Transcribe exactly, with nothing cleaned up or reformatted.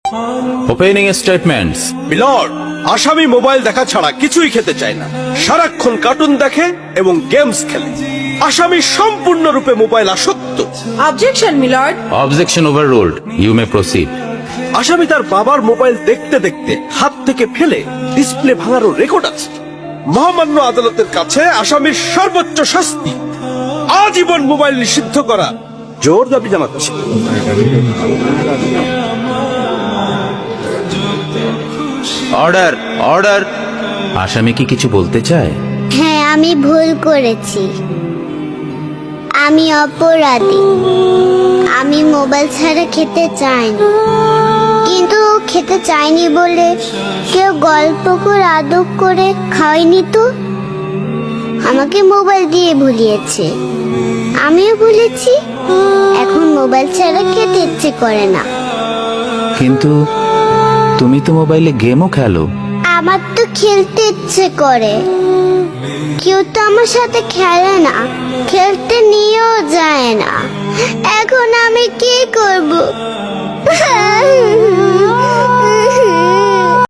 Opening statements. Milord, আসামি mobile দেখা ছাড়া কিছুই খেতে চায় না, সারাক্ষণ কার্টুন দেখে এবং গেমস খেলে। আসামি সম্পূর্ণরূপে মোবাইল আসক্ত। Objection milord. Objection overruled, you may proceed. আসামি তার বাবার মোবাইল দেখতে দেখতে হাত থেকে ফেলে ডিসপ্লে ভাঙারও রেকর্ড আছে। মহামান্য আদালতের কাছে আসামির সর্বোচ্চ শাস্তি আজীবন মোবাইল নিষিদ্ধ করা জোর দাবি জানাচ্ছে। Order, order. আসামি কি কিছু বলতে চায়? হ্যাঁ, আমি ভুল করেছি। আমি অপরাধী। আমি মোবাইল ছাড়া খেতে চাইনি, কিন্তু খেতে চাইনি বলে কেউ গল্প করে আদর করে খাওয়াইনি তো। আমাকে মোবাইল দিয়ে ভুলিয়েছে, আমিও ভুলেছি। এখন মোবাইল ছাড়া খেতে ইচ্ছে করে না। কিন্তু তুমি তো মোবাইলে গেমও খেলো। আমার তো খেলতে ইচ্ছে করে, কেউ তো আমার সাথে খেলে না, খেলতে নিয়েও যায় না। এখন আমি কি করব?